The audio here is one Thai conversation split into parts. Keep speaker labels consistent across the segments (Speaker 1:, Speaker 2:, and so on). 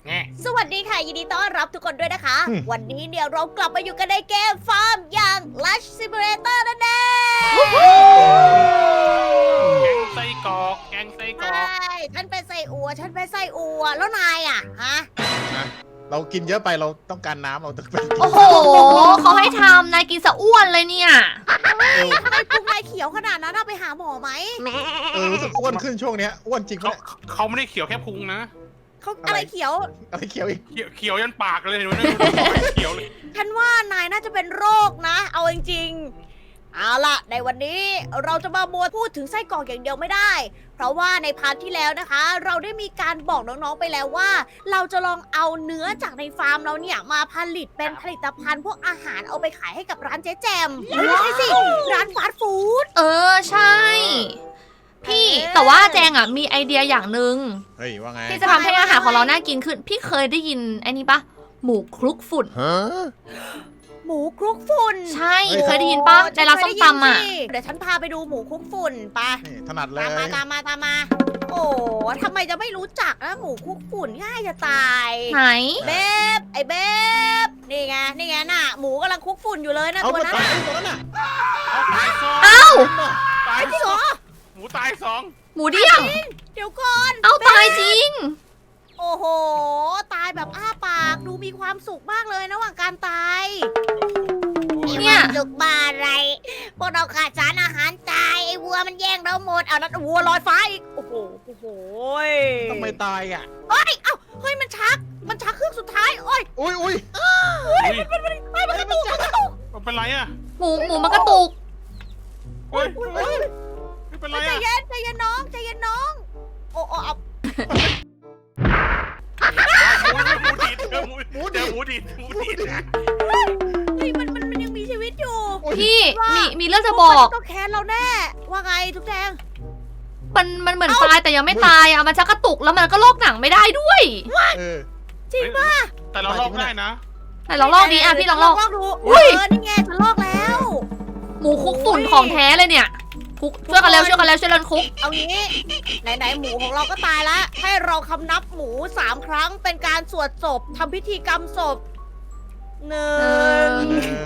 Speaker 1: สวัสดีค่ะ ยินดีต้อนรับทุกคนด้วยนะคะ วันนี้เนี่ยเรากลับมาอยู่กันในเกมฟาร์มอย่าง Lush Simulator นั่นเอง
Speaker 2: แกงไส้กรอกแกงไส้กร
Speaker 1: ใช่
Speaker 2: อก
Speaker 1: ฉันเป็นไส้อัว ฉันเป็นไส้อัว แล้วนายอ่ะ ฮะ
Speaker 3: เรากินเยอะไปเราต้องการน้ำเราต้องการ
Speaker 4: โอ้โห เขาให้ทำนายกินสะอ้วนเลยเนี่ย
Speaker 1: ทำไมพุงนายเขียวขนาดนั้นอะไปหาหมอไหม
Speaker 3: รู้สึกอ้วนขึ้นช่วงเนี้ยอ้วนจริง
Speaker 2: เขา
Speaker 3: ปะ
Speaker 2: เขาไม่ได้เขียวแค่พุงนะ
Speaker 1: เขาอะไรเขียว
Speaker 3: อะไรเขียวอีก
Speaker 2: เขียวยันปากเลยเห็นไหมเขียวเลย
Speaker 1: ฉันว่านายน่าจะเป็นโรคนะ เอาจริงๆ เอาล่ะ ในวันนี้เราจะมามัวพูดถึงไส้กรอกอย่างเดียวไม่ได้ เพราะว่าในพาร์ทที่แล้วนะคะ เราได้มีการบอกน้องๆไปแล้วว่า เราจะลองเอาเนื้อจากในฟาร์มเราเนี่ยมาผลิตเป็นผลิตภัณฑ์พวกอาหารเอาไปขายให้กับร้านเจ๊แจมไม่ใช่สิ ร้านฟาสต์ฟู้ด
Speaker 4: เออ ใช่ พี่แต่ว่าแจงอ่ะมีไอเดียอย่างหนึ่ง
Speaker 3: เฮ้ยว่าไง
Speaker 4: ที่จะทำให้อาหารของเราน่ากินขึ้น พี่เคยได้ยินไอ้นี่ปะหมูคลุกฝุ่น
Speaker 3: ฮะ
Speaker 1: หมูคลุกฝุ่น
Speaker 4: ใช่ เคยได้ยินปะในร้านส้มตำอ่ะ
Speaker 1: เดี๋ยวฉันพาไปดูหมูคลุกฝุ่นไป
Speaker 3: นี่ถนัดเล
Speaker 1: ตามมาย ตามมาตามมา โอ้ทำไมจะไม่รู้จักนะหมูคลุกฝุ่นง่ายจะตาย
Speaker 4: ไหน
Speaker 1: เบบ ไอ้เบบนี่ไงนี่ไงน่ะ หมูกำลังคลุกฝุ่นอยู่เลยนะ
Speaker 3: เอา
Speaker 1: ตัว
Speaker 3: มา
Speaker 1: นั้น
Speaker 3: ตาย
Speaker 1: น่ะ
Speaker 3: ตัวนั้นน่ะ
Speaker 2: เอาตายสอง
Speaker 4: เอ้า
Speaker 2: ตาย
Speaker 1: จริงเหรอ
Speaker 2: หมูตายสอง
Speaker 4: หมูเดี้ยง
Speaker 1: เดี๋ยวก่อน
Speaker 4: เอาตายจริง
Speaker 1: โอ้โห ตายแบบอ้าปาก ดูมีความสุขมากเลยระหว่างการตาย
Speaker 4: เนี่ย
Speaker 1: มีความสุขบ้าอะไร พวกเราขาดสารอาหารตาย ไอ้วัวมันแย่งเราหมด เอาแล้ววัวลอยฟ้าอีก โอ้โห โอ้โห
Speaker 3: ทำไมตายอ่ะ
Speaker 1: เฮ้ย เอ้า เฮ้ย มันชักเครื่องสุดท้าย โอ้ย
Speaker 3: อุ้ยอุ้ย
Speaker 1: มันกระตุกมันกระตุก
Speaker 2: มันเป็นไรอ่ะ
Speaker 4: หมูมันกระตุก
Speaker 2: เฮ้ย
Speaker 1: อุ๊ยอุ๊ย
Speaker 2: ไม่เป็นไร
Speaker 1: ใจ
Speaker 2: อ่ะ
Speaker 1: เย็นใจเย็นน้องใจเย็นน้อง โอ้โอ้เอา
Speaker 2: หมูดีดเจอหมูดีดนะ
Speaker 1: เฮ้ยมันยังมีชีวิตอยู่
Speaker 4: พี่มีเรื่องจะบอก
Speaker 1: ต้องแค้นเราแน่ ว่าไงทุกแจง
Speaker 4: มันเหมือนตายแต่ยังไม่ตายอ่ะ มันชักกระตุกแล้วมันก็ลอกหนังไม่ได้ด้วย
Speaker 3: เออ
Speaker 1: จริงป่ะ
Speaker 2: แต่เราลอกได้นะ
Speaker 4: ไหนลองลอกนี้อ่ะพี่ลองลอก
Speaker 1: ดู
Speaker 4: อุ๊ย
Speaker 1: นี่ไงฉันลอกแล้ว
Speaker 4: หมูคลุกฝุ่นของแท้เลยเนี่ยคลุกช่วยกันแล้วช่วยกันคลุก
Speaker 1: เอางี้ไหนหมูของเราก็ตายแล้ว ให้เราคำนับหมู3 ครั้งเป็นการสวดศพทำพิธีกรรมศพ1
Speaker 3: หนึ่ง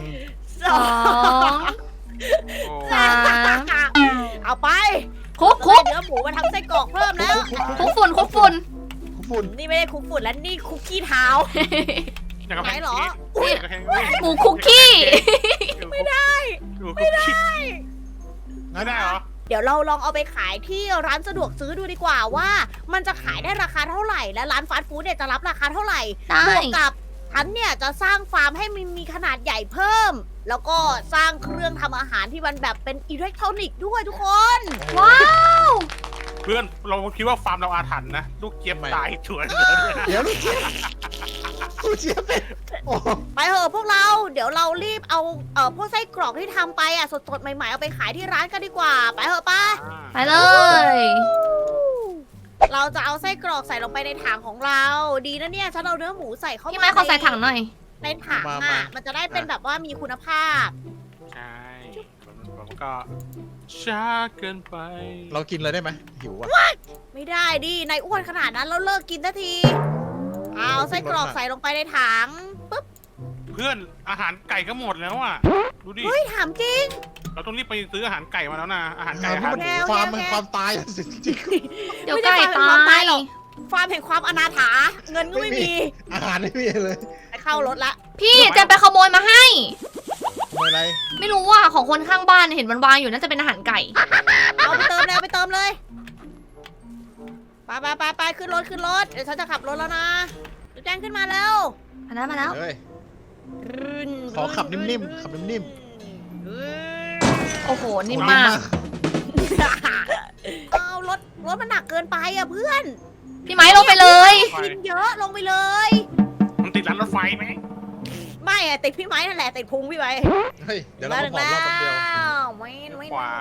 Speaker 1: 2
Speaker 4: สอง
Speaker 2: โอ้
Speaker 4: สาม
Speaker 1: เอาไป
Speaker 4: คลุก
Speaker 1: เนื้อหมูมาทำไส้กรอกเพิ่มแล้ว
Speaker 4: คลุกฝุ่น
Speaker 3: ฝุ่น
Speaker 1: นี่ไม่ได้คุกฝุ่นแล้วนี่คุกกี้เท้า
Speaker 2: อยากกระ
Speaker 1: ไหน
Speaker 2: แพง
Speaker 1: เหรอ
Speaker 2: อยากกระแพง
Speaker 4: หมูคุกกี้
Speaker 2: ไม่ได้ไม่ได้ไม่ได้เหรอ
Speaker 1: เดี๋ยวเราลองเอาไปขายที่ร้านสะดวกซื้อดูดีกว่าว่า มันจะขายได้ราคาเท่าไหร่ และร้านฟาสต์ฟู้ดเนี่ยจะรับราคาเท่าไหร่
Speaker 4: ได้
Speaker 1: บวกกับฉันเนี่ยจะสร้างฟาร์มให้มันมีขนาดใหญ่เพิ่ม แล้วก็สร้างเครื่องทำอาหารที่มันแบบเป็นอิเล็กทรอนิกส์ด้วยทุกคน
Speaker 4: ว้าว
Speaker 2: เพื่อนเราคิดว่าฟาร์มเราอาถรรพ์นะลูกเจี๊ยบตายชวน
Speaker 3: เดี๋ยวลูกเจี๊ยบลูกเจี๊ยบเป็นโอ้
Speaker 1: ไปเถอะพวกเรา เดี๋ยวเรารีบเอาพวกไส้กรอกที่ทำไปอ่ะสดๆใหม่ๆเอาไปขายที่ร้านกันดีกว่า ไปเถอะป้า
Speaker 4: ไปเลย
Speaker 1: เราจะเอาไส้กรอกใส่ลงไปในถังของเรา ดีนะเนี่ยฉันเอาเนื้อหมูใส่เข้า
Speaker 4: พี่
Speaker 1: มา
Speaker 4: ไม้ขอใส่ถังหน่อย
Speaker 1: ในถังอ่ะ มันจะได้เป็นแบบว่ามีคุณภาพ
Speaker 2: ใช่ผมก็ช้าเกินไป
Speaker 3: เรากินเลยได้ไหมหิวอ่ะ
Speaker 1: ไม่ได้ดินายอ้วนขนาดนั้นแล้วเลิกกินทันที เอาไส้กรอกใส่ลงไปในถังปุ๊บ
Speaker 2: เพื่อนอาหารไก่ก็หมดแล้วอ่ะดูดิ
Speaker 1: เฮ้ยถามจริง
Speaker 2: เราต้องรีบไปซื้ออาหารไก่มาแล้วนะอาหารไก่
Speaker 3: อา
Speaker 2: อา
Speaker 3: หาร
Speaker 2: หาร
Speaker 3: มัน
Speaker 1: แนว
Speaker 3: ความ
Speaker 1: แนว
Speaker 3: มันความตายจริง
Speaker 4: เดี๋ยวไก่ตาย
Speaker 1: ฟาร์มแห่งความอนาถา เงินก็ไม่มี
Speaker 3: ๆอาหารไม่มีเลย
Speaker 1: ไปเข้ารถละ
Speaker 4: พี่จะไปขโมยมาให้
Speaker 3: ทำอะไร
Speaker 4: ไม่รู้ว่าของคนข้างบ้านเห็นมันวางอยู่น่าจะเป็นอาหารไก่
Speaker 1: เอาไปเติมเลยเอาไปเติมเลย ไปขึ้นรถเดี๋ยวฉันจะขับรถแล้วนะแจ้งขึ้นมาแล้ว
Speaker 4: มาแล้ว
Speaker 3: เฮ้ย ขอขับนิ่มๆขับนิ่ม
Speaker 4: โอ้โห
Speaker 3: ๆ
Speaker 4: นิ่มมาก
Speaker 1: เอารถมันหนักเกินไปอ่ะเพื่อน
Speaker 4: พี่ไม้ลงไปเลย
Speaker 1: กินเยอะลงไปเลย
Speaker 2: มันติดร้านรถไฟไหม
Speaker 1: ไม่อะติดพี่ไม้นั่นแหละติดพุงพี่ไม้
Speaker 3: เฮ้ยเดี๋ยวเราก็ผอมรอบแป๊บเดียว
Speaker 1: วิน
Speaker 2: ขวา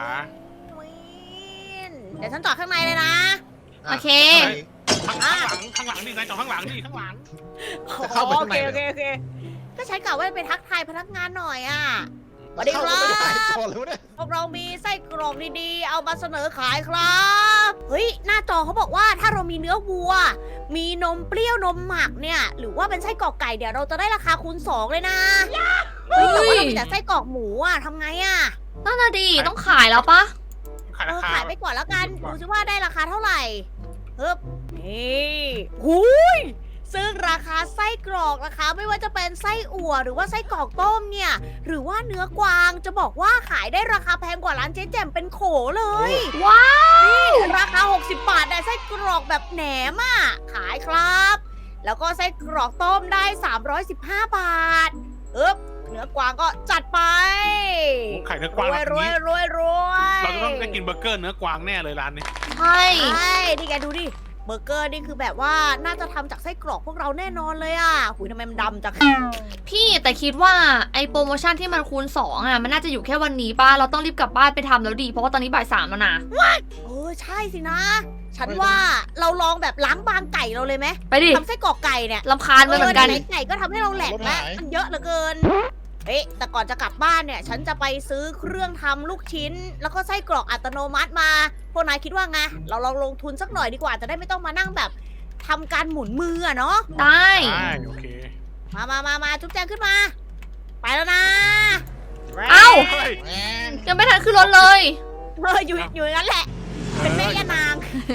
Speaker 1: เดี๋ยวฉันจอดข้างในเลยนะ
Speaker 4: โอเค
Speaker 2: ข้างหลังดินายจอดข้างหลังดิข้างหลัง
Speaker 3: จะเข้าไปข้างใน
Speaker 1: โอเคก็ใช้กล่าวว่าไปทักทายพนักงานหน่อยอ่ะสวัสดีครับ
Speaker 3: เข้าก็ไม่ได้ก่อนเลยวะเนี่ย
Speaker 1: พวกเรามีไส้กรอกดีๆ เอามาเสนอขายครับ เฮ้ย หน้าจอเขาบอกว่าถ้าเรามีเนื้อวัว มีนมเปรี้ยวนมหมักเนี่ย หรือว่าเป็นไส้กรอกไก่เดี๋ยวเราจะได้ราคาคูณ2เลยนะเฮ้ยแต่ว่าเรามีแต่ไส้กรอกหมูอะทำไงอะ
Speaker 4: นั่นน่ะดีต้องขายแล้วปะ
Speaker 2: ขายราคา
Speaker 1: ขายไปก่อนแล้วกัน
Speaker 2: ก่
Speaker 1: ดู
Speaker 2: อน
Speaker 1: ซิว่าได้ราคาเท่าไหร่เฮ้บนี่หูยซึ่งราคาไส้กรอกนะคะไม่ว่าจะเป็นไส้อั่วหรือว่าไส้กรอกต้มเนี่ย หรือว่าเนื้อกวางจะบอกว่าขายได้ราคาแพงกว่าร้านเจ๊แจ่มเป็นโขเลย
Speaker 4: ว้าว
Speaker 1: ราคา 60 บาทได้ไส้กรอกแบบแหนมอ่ะ ขายครับ แล้วก็ไส้กรอกต้มได้ 315 บาทเนื้อกวางก็จัดไป
Speaker 2: ไข่เนื้อ
Speaker 1: ร
Speaker 2: กวาง
Speaker 1: วย
Speaker 2: แบบ
Speaker 1: รวย
Speaker 2: นี้
Speaker 1: รวยรวย
Speaker 2: เราจะต้องได้กินเบอร์เกอร์เนื้อกวางแน่เลยร้านนี้
Speaker 4: ใช่
Speaker 1: ใช่นี่แกดูดิ เบอร์เกอร์นี่คือแบบว่าน่าจะทำจากไส้กรอกพวกเราแน่นอนเลยอ่ะหุยทำไมมันดำจัง
Speaker 4: พี่แต่คิดว่าไอโปรโมชั่นที่มันคูณ2อ่ะมันน่าจะอยู่แค่วันนี้ป้าเราต้องรีบกลับบ้านไปทำแล้วดีเพราะว่าตอนนี้บ่าย 3แล้วนะ
Speaker 1: ใช่สินะ ฉันว่าเราลองแบบล้างบางไก่เราเลยไหม
Speaker 4: ไปดิ
Speaker 1: ทำไส้กรอกไก่เนี่ย
Speaker 4: ลำคาญมันเหมือนกัน
Speaker 1: ไหนๆไก่ก็ทำให้เราแหลกแล้วมันเยอะเหลือเกิน เฮ้ยแต่ก่อนจะกลับบ้านเนี่ย ฉันจะไปซื้อเครื่องทำลูกชิ้น แล้วก็ไส้กรอกอัตโนมัติมา พวกนายคิดว่าไง เราลองลงทุนสักหน่อยดีกว่า จะได้ไม่ต้องมานั่งแบบทำการหมุนมืออะเนาะ
Speaker 4: ได้
Speaker 2: ได้โอเค
Speaker 1: มาจุ๊บแจงขึ้นมา ไปแล้วนะ
Speaker 4: เอ้า
Speaker 2: เฮ้ย
Speaker 3: แหม
Speaker 4: ยังไม่ทันขึ้นรถเลย
Speaker 1: อยู่อย่างนั้นแหละ เป็นแม่ย่านาง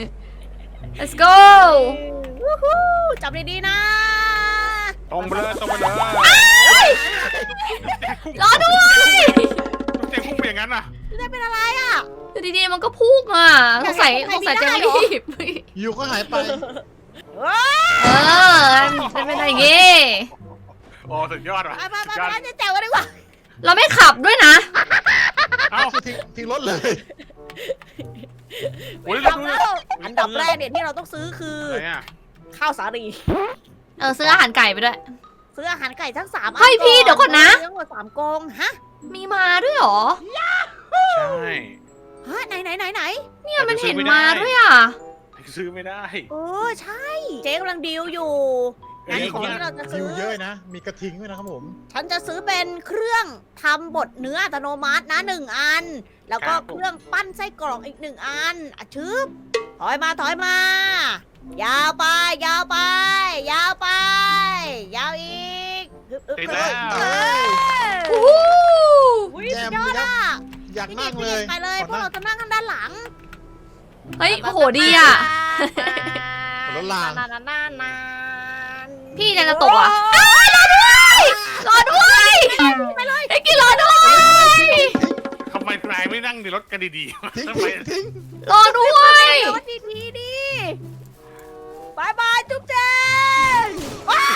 Speaker 4: let's go
Speaker 1: วู้ฮู้จับดีๆนะ
Speaker 2: ตรงไปเลยตรงไปเลย
Speaker 4: รอด้วย
Speaker 2: ต้องเจ๊พุ่งไปอย่างนั้นน่ะ
Speaker 1: ได้เป็นอะไรอ่ะ
Speaker 4: อยู่ดีๆมันก็พุ่งอ่ะสงสัย
Speaker 1: อยากให้
Speaker 4: จะ
Speaker 1: ใคร
Speaker 4: ไม่
Speaker 1: มีได้เหรอ
Speaker 4: รีบ
Speaker 3: อยู่ก็หายไป
Speaker 4: เออเป็นไปได้ไง
Speaker 2: โอ้สุดยอดว่ะ
Speaker 1: ไปร้านเจ๊แจ๋วกันดีกว่า
Speaker 4: เราไม่ขับด้วยนะ
Speaker 2: เอ้า
Speaker 3: คือทิ้งรถเลย
Speaker 2: โอ้ย
Speaker 1: ดับ
Speaker 2: ดู
Speaker 1: แล้วอันดับแรกเนี่ยที่เราต้องซื้อคือ
Speaker 2: อะไรอ่ะ
Speaker 1: ข้าวสาลี
Speaker 4: ซื้ออาหารไก่ไปด้วย
Speaker 1: ซื้ออาหารไก่ทั้ง3
Speaker 4: เฮ้ยพี่เดี๋ยวก่อนนะ
Speaker 1: ทั้งหมด3กรงฮะ
Speaker 4: มีมาด้วยเหรอ
Speaker 2: ใช่
Speaker 1: ฮะไหน
Speaker 4: เนี่ยมันเห็นมาด้วยอ่ะ
Speaker 2: ซื้อไม่ได้
Speaker 1: ใช่ เจ๊กำลังดีลอยู่งั้น
Speaker 2: เอ้ย
Speaker 1: ของที่เราจะ
Speaker 3: คิ
Speaker 1: ซื้
Speaker 3: ว
Speaker 1: อ
Speaker 3: เยอะนะ มีกระทิงด้วยนะครับผม
Speaker 1: ฉันจะซื้อเป็นเครื่องทำบดเนื้ออัตโนมัตินะ1 อัน แล้วก็เครื่องปั้นไส้กรอกอีก1 อันอ่ะชึบถอยมา ยาวไป ยาวไป ยาวอีก
Speaker 2: ติดแล้ว
Speaker 1: เออ
Speaker 4: อู้
Speaker 1: อุ้ย
Speaker 3: แจ
Speaker 1: สุ
Speaker 3: ม
Speaker 1: ดยอด
Speaker 3: ยับ
Speaker 1: อ่ะ
Speaker 3: อยาก
Speaker 1: พี่
Speaker 3: นั่ง
Speaker 1: กิ
Speaker 3: เล
Speaker 1: ต
Speaker 3: ย
Speaker 1: ไปเลยพวกเราจะนั่งข้างด้านหลัง
Speaker 4: เฮ้ยโอ้โหดีอ่ะ
Speaker 3: รถราง
Speaker 4: พี่จะตกอ่ะรอด้วย
Speaker 1: ไปเลย
Speaker 4: ไอ้กินรอด้วย
Speaker 2: ทำไมนายไม่นั่งในรถกันดีๆ
Speaker 3: ทิ้ง
Speaker 2: ทำไม
Speaker 3: ทิ้ง
Speaker 4: รอด้วย
Speaker 1: รถดีๆดิบายบายจุ๊บเจนว้า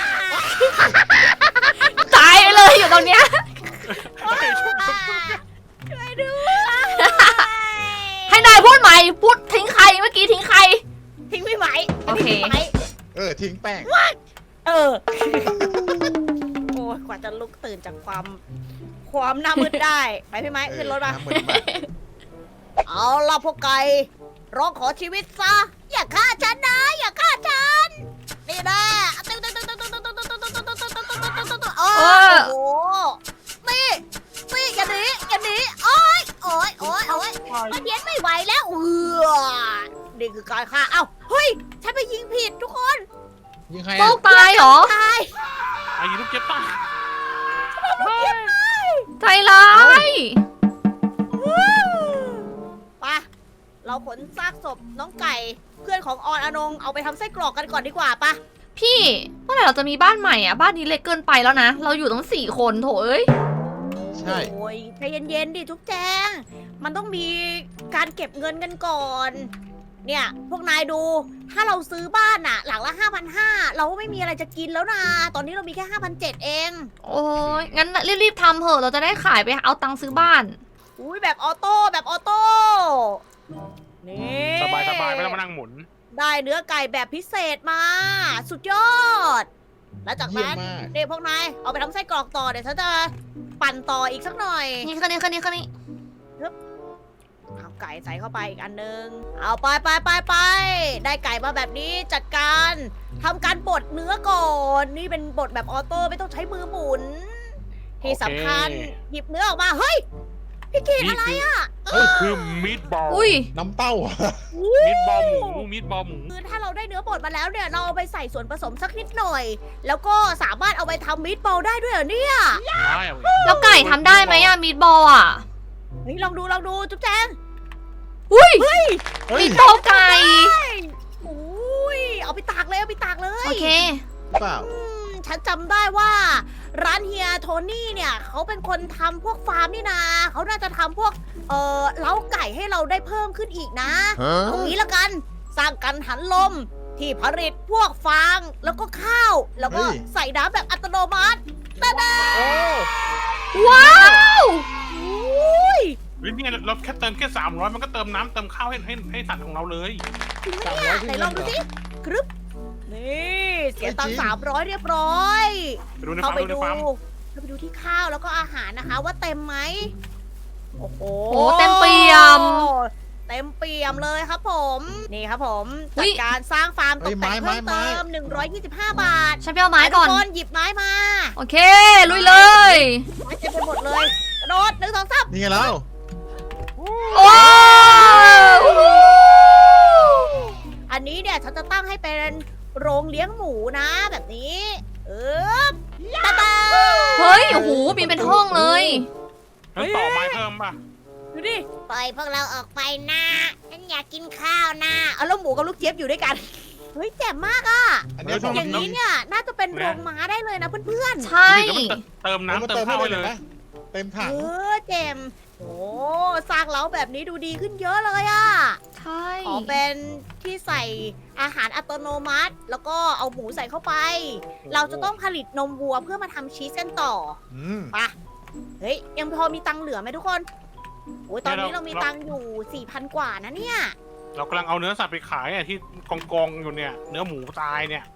Speaker 4: ตายไปเลยอยู่ตรงเนี้ย
Speaker 1: ช่วยด้วย
Speaker 4: ให้นายพูดใหม่พูดทิ้งใครเมื่อกี้ทิ้งใคร
Speaker 1: ทิ้งพี่ไหม
Speaker 4: โอเค
Speaker 1: ทิ้งพี่ไหม
Speaker 3: ทิ้งแป้ง
Speaker 1: เออ โอ้ยกว่าจะลุกตื่นจากความหน้ามืดได้ ไปพี่ไม้ขึ้นรถมา
Speaker 3: เหมือนแบบ
Speaker 1: เอาล่ะพวกไก่ร้องขอชีวิตซะ อย่าฆ่าฉันนะ อย่าฆ่าฉัน นี่แน่โอ้โหนี่อย่าหนีโอ๊ยมันเย็นไม่ไหวแล้วนี่คือการฆ่า เอ้า เฮ้ย ฉันไปยิงผิดทุกคน
Speaker 3: ยิงใคร
Speaker 4: โล
Speaker 3: อ่ะ
Speaker 4: กตายเหรอ
Speaker 1: ตาย
Speaker 2: ไอ้ลูกเจ็บป่ะ
Speaker 4: ใจร้าย
Speaker 1: ไปเราขนซากศพน้องไก่ เพื่อนของออนอนงเอาไปทำไส้กรอกกันก่อนดีกว่าปะ
Speaker 4: พี่เมื่อไหร่เราจะมีบ้านใหม่อ่ะบ้านนี้เล็กเกินไปแล้วนะเราอยู่ตั้ง4 คนโถเอ้ย
Speaker 3: ใช่
Speaker 1: โอ้ยใจเย็นๆดิทุกแจง มันต้องมีการเก็บเงินกันก่อน เนี่ย พวกนายดู ถ้าเราซื้อบ้านอะหลังละ 5,500 เราก็ไม่มีอะไรจะกินแล้วนะ ตอนนี้เรามีแค่ 5,700 เอง
Speaker 4: โอ้ยงั้นรีบๆทำเถอะเราจะได้ขายไปเอาตังค์ซื้อบ้าน
Speaker 1: อุ้ยแบบออโต้แบบออโต้ นี่
Speaker 2: สบายไม่ต้องมานั่งหมุน
Speaker 1: ได้เนื้อไก่แบบพิเศษมา สุดยอด แล้วจาก
Speaker 3: เยี่ยม
Speaker 1: นั้น
Speaker 3: มาก
Speaker 1: เด็กพวกนายเอาไปทำไส้กรอกต่อเดี๋ยวฉันจะปั่นต่ออีกสักหน่อย
Speaker 4: นี่คันนี้
Speaker 1: เอาไก่ใส่เข้าไปอีกอันนึง เอาไปได้ไก่มาแบบนี้จัดการทำการบดเนื้อก่อน นี่เป็นบดแบบออโต้ไม่ต้องใช้มือหมุนที่สำคัญหยิบเนื้อออกมา เฮ้ย พี่กิตอะไรอ่ะ
Speaker 2: คือมีดบอล
Speaker 4: อุ้ย
Speaker 3: น้ำเต้าอะ
Speaker 2: มีดบอลหมูมีดบอลหมู
Speaker 1: คือถ้าเราได้เนื้อบดมาแล้วเนี่ยเราเอาไปใส่ส่วนผสมสักนิดหน่อย แล้วก็สามารถเอาไปทำมีดบอลได้ด้วยเหรอเนี่ย
Speaker 2: ได้อะ
Speaker 4: แล้วไก่ทำได้ไหมอะมีดบอลอะ
Speaker 1: เฮ้ยลองดูจุ๊บแจง
Speaker 4: อุ้ย
Speaker 3: เฮ้ย
Speaker 4: มีดบอลไก่
Speaker 1: อุ้ยเอาไปตากเลย
Speaker 4: โอเค
Speaker 3: เปล่า
Speaker 1: ฉันจำได้ว่า ร้านเฮียโทนี่เนี่ยเขาเป็นคนทำพวกฟาร์มนี่นาเขาน่าจะทำพวกเล้าไก่ให้เราได้เพิ่มขึ้นอีกนะ ตรงนี้ละกันสร้างกันหันลมที่ผลิตพวกฟางแล้วก็ข้าว แล้วก็ใส่น้ำแบบอัตโนมัติตะดา
Speaker 3: โอ้
Speaker 4: ว้าว
Speaker 1: อุ้ย
Speaker 2: เฮ้ยนี่ไงเราแค่เติมแค่300มันก็เติมน้ำเติมข้าวให้สัตว์ของเราเลย
Speaker 1: จริงไหมเนี่ยไหนลองดูสิกรึบนี่เสียตังค์300 เรียบร้อย
Speaker 2: ไปดูใน
Speaker 1: เข้า
Speaker 2: ฟาร์ม
Speaker 1: ไป
Speaker 2: ดูใน
Speaker 1: ดู
Speaker 2: ฟาร์ม
Speaker 1: เข้าไปดูที่ข้าวแล้วก็อาหารนะคะ ว่าเต็มไหมโอ้โห
Speaker 4: โอ้เต็มเปี่ยม
Speaker 1: เต็มเปี่ยมเลยครับผม นี่ครับผม
Speaker 4: อุ๊
Speaker 1: จัด
Speaker 4: ย
Speaker 1: การสร้างฟาร์มตกแต่งเพิ่มเติม125 บาท
Speaker 4: ฉันไปเอาไม้ก่อน
Speaker 1: ทุคนหยิบไม้มา
Speaker 4: โอเค ลุยเลย
Speaker 1: ไม้เต็มไปหมดเลยกระโดด1 2 3
Speaker 3: นี่ไงแล้ว
Speaker 4: ว้าว
Speaker 1: อันนี้เนี่ยฉันจะตั้งให้เป็นโรงเลี้ยงหมูนะแบบนี้ตาตา
Speaker 4: เฮ้ย โอ้โห มีเป็นห้องเลย
Speaker 2: แล้วต่อไม้เพิ่มป่ะ
Speaker 1: ดูดิปล่อยพวกเราออกไปนะฉันอยากกินข้าวนะเอาแล้วหมูกับลูกเจี๊ยบอยู่ด้วยกัน เฮ้ยแจ่มมากอ่ะ
Speaker 3: อันเนี้ย
Speaker 2: เฮ้ย
Speaker 1: อย่างนี้เนี่ยน่าจะเป็นโรงม้าได้เลยนะเพื่อน
Speaker 4: ใช่
Speaker 2: แล้วมันเติมน้ำเติมข้าวให้เลย
Speaker 3: เต็ม
Speaker 1: ๆ
Speaker 3: ถัง
Speaker 1: แจ่มโอ้สร้างเล้าแบบนี้ดูดีขึ้นเยอะเลยอ่ะ
Speaker 4: ใช่
Speaker 1: ขอเป็นที่ใส่อาหารอัตโนมัติ แล้วก็เอาหมูใส่เข้าไป เราจะต้องผลิตนมวัวเพื่อมาทำชีสกันต่อ
Speaker 3: อืม
Speaker 1: ไปะเฮ้ยยังพอมีตังค์เหลือไหมทุกคนโอ้ยตอนนี้เรามีตังค์อยู่ 4,000 กว่านะเนี่ย
Speaker 2: เรากำลังเอาเนื้อสัตว์ไปขายอ่ะที่กองอยู่เนี่ย เนื้อหมูตายเนี่ย